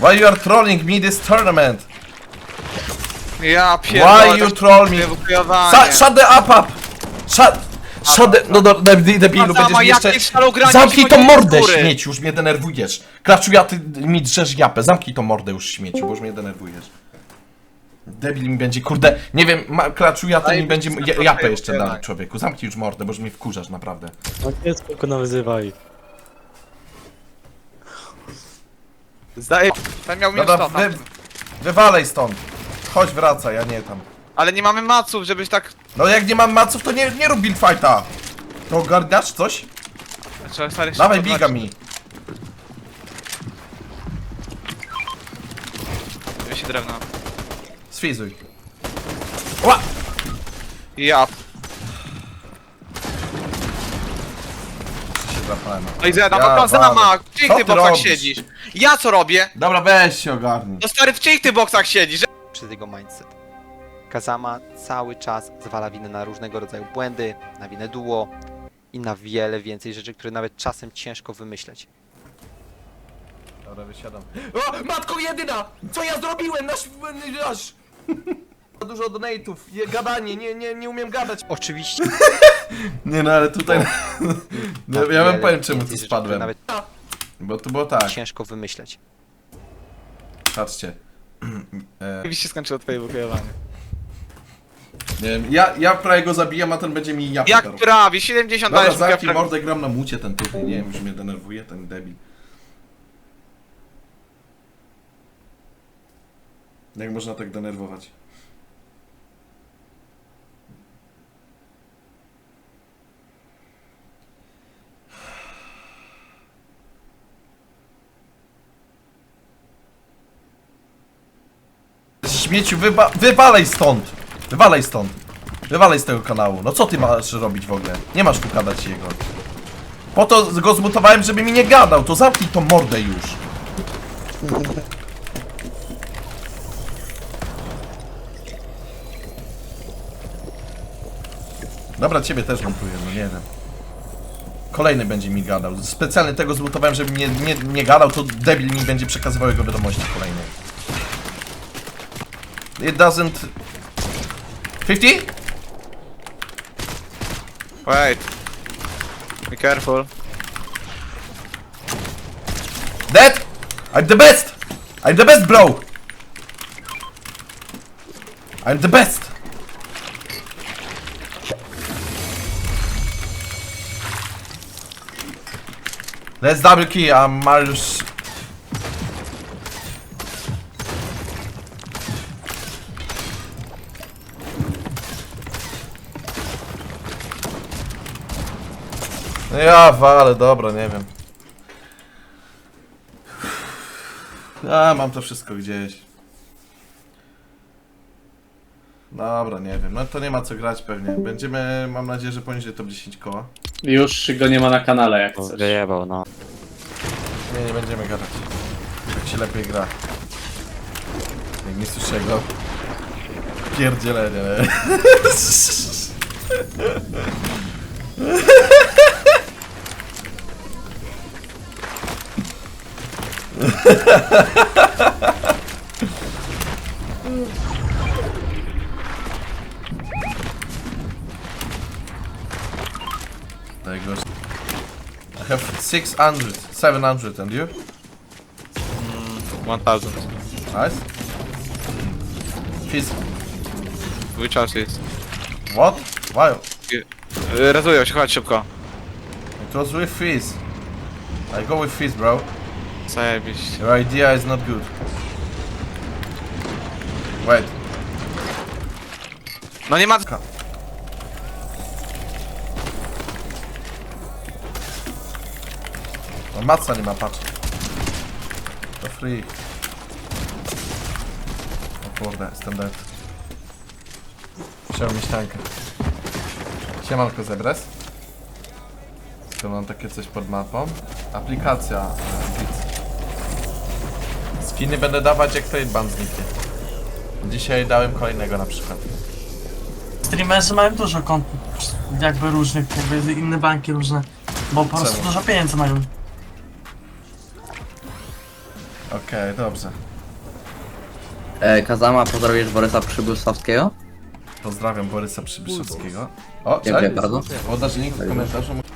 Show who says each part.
Speaker 1: Why you are trolling me this tournament?
Speaker 2: Ja pierdolę.
Speaker 1: Why you troll me? Shut the up! Shut the... No debilu, będziesz mi jeszcze... Zamknij tą mordę, śmieci, już mnie denerwujesz. Klaczu, ja ty mi drzesz japę. Zamknij tą mordę już, śmieci, bo już mnie denerwujesz. Debil mi będzie, kurde, nie wiem, klaczu, ja ty mi będzie japę jeszcze dać, człowieku. Zamknij już mordę, bo już mnie wkurzasz, naprawdę.
Speaker 3: No nie, spoko, nawyzywaj.
Speaker 2: Zdaje... Ten miał minus
Speaker 1: Dobra,
Speaker 2: 100
Speaker 1: wywalej stąd. Chodź, wracaj, ja nie tam.
Speaker 2: Ale nie mamy maców, żebyś tak...
Speaker 1: No jak nie mam maców, to nie rób build fighta. To ogarniasz coś?
Speaker 2: Trzeba stary
Speaker 1: Dawaj,
Speaker 2: szybko
Speaker 1: biga
Speaker 2: brać.
Speaker 1: mi.
Speaker 2: Ja się drewno.
Speaker 1: Sfizuj. Ła!
Speaker 2: Ja.
Speaker 1: Się zapałem.
Speaker 2: No i zjadam,
Speaker 1: Ja
Speaker 2: no Kazama,
Speaker 1: walę.
Speaker 2: w czyich
Speaker 1: Co
Speaker 2: ty
Speaker 1: ty
Speaker 2: boksach
Speaker 1: robisz?
Speaker 2: siedzisz? Ja co robię?
Speaker 1: Dobra, weź się ogarnij.
Speaker 2: No stary, w czyich ty boksach siedzisz?
Speaker 4: Przez jego mindset. Kazama cały czas zwala winę na różnego rodzaju błędy, na winę duo i na wiele więcej rzeczy, które nawet czasem ciężko wymyśleć.
Speaker 1: Dobra, wysiadam. O, matko jedyna! Co ja zrobiłem? Nasz... Dużo donate'ów, gadanie, nie umiem gadać.
Speaker 4: Oczywiście
Speaker 1: Nie no, ale tutaj...
Speaker 4: na
Speaker 1: ja wam
Speaker 4: wiele
Speaker 1: powiem czemu tu
Speaker 4: więcej rzeczy, które
Speaker 1: spadłem.
Speaker 4: nawet
Speaker 1: Bo to było tak,
Speaker 4: ciężko wymyśleć.
Speaker 1: patrzcie.
Speaker 2: Mi się skończyło twoje wywojowanie.
Speaker 1: Nie wiem, ja prawie go zabijam, a ten będzie mi japę
Speaker 2: Jak
Speaker 1: darł.
Speaker 2: prawie? 70
Speaker 1: Dobra,
Speaker 2: dajesz mi
Speaker 1: zamknij
Speaker 2: prawie.
Speaker 1: mordę, gram na mucie ten tutaj, nie wiem, już mnie denerwuje ten debil. Jak można tak denerwować? Śmieciu, wywalej stąd! Wywalej stąd! Wywalej z tego kanału. No co ty masz robić w ogóle? Nie masz tu gadać jego. Po to go zmutowałem, żeby mi nie gadał. To zamknij tą mordę już. Dobra, ciebie też montuję, no nie wiem. Kolejny będzie mi gadał. Specjalnie tego zmutowałem, żeby nie gadał, to debil mi będzie przekazywał jego wiadomości kolejne. It doesn't... 50?
Speaker 2: Wait. Be careful.
Speaker 1: Dead? I'm the best! I'm the best, bro! I'm the best! Let's double key, I'm Marius. Ja walę, dobra, nie wiem. A, mam to wszystko gdzieś. Dobra, nie wiem. No to nie ma co grać pewnie. Będziemy, mam nadzieję, że poniżej top 10 koła.
Speaker 5: Już go nie ma na kanale jak
Speaker 3: No,
Speaker 5: chcesz.
Speaker 3: wyjebał, no.
Speaker 1: Nie będziemy gadać. Tak się lepiej gra. Jak nie słyszę go. Pierdzielenie, nie? There goes. I have 600, 700, and you?
Speaker 2: 1000.
Speaker 1: Nice. Fizz.
Speaker 2: Which house is?
Speaker 1: What? Why?
Speaker 2: Rezują się, chodź szybko.
Speaker 1: It was with Fizz. I go with Fizz, bro.
Speaker 2: Zajebiście.
Speaker 1: Your idea is not good. Wait.
Speaker 2: No nie ma...
Speaker 1: No maca nie ma, patrz. To free. O kurde, jestem dead. Chciałem mieć tankę. Siemanko Zebres. Tu mam takie coś pod mapą. Aplikacja. Blitz. Skiny będę dawać jak trade ban zniknie. Dzisiaj dałem kolejnego na przykład.
Speaker 6: Streamerzy mają dużo kont, jakby różnych, jakby inne banki różne, bo po prostu
Speaker 1: Czemu?
Speaker 6: dużo pieniędzy mają.
Speaker 1: Okej, dobrze.
Speaker 7: Kazama, pozdrowisz Borysa Przybysławskiego?
Speaker 1: Pozdrawiam Borysa Przybyszewskiego. O,
Speaker 7: Dziękuję bardzo.
Speaker 1: Podasz link w komentarzu.